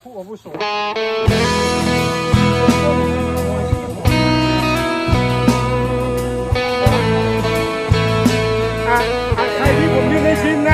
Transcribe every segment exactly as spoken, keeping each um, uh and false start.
ผู้อาวุโสอ่ะอ่ะใครที่ผมยืนในชินนะ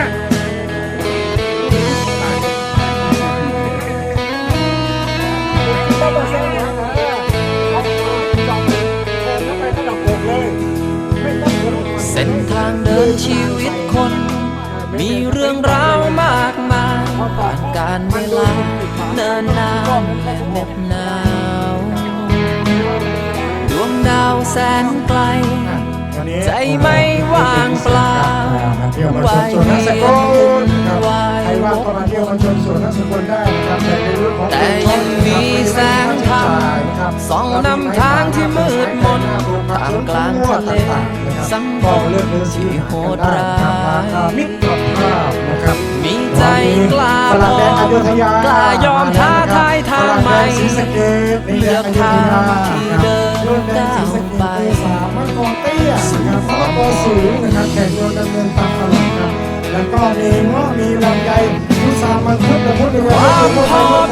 ต้องมาเซ็นนะเอาจับเดินเข้าไประดับอกเลยไม่ต้องกระโดดเส้นทางเดินชีวิตคน มีเรื่องราวมากมายผ่านการเวลาเนินนานและเหน็บหนาวดวงดาวแสนไกล ใจไม่ว่างเปล่าเที่ยวมาชมสวนนักสกุลครับใครว่างก็มาเที่ยวมาชมสวนนักสกุลได้นะครับแต่ในเรื่องของแต่ยังมีแสงธรรมส่องนำทางที่มืดมนท่ามกลางทะเลสังคมที่โหดร้ายมิตรภาพนะครับมีใจกล้าฝรั่งแดนอยุธยากล้ายอมท้าทายทางใหม่ศรีสะเกษเลือกทางที่เดินก้าวไปสามมังกรเตี้ยนะครับมังกรสูงนะครับแขกเรือดำเนินตามตลอดครับแล้วก็มีเงาะมีลำไยพุทรามังคุดและพุทธเรือความพอ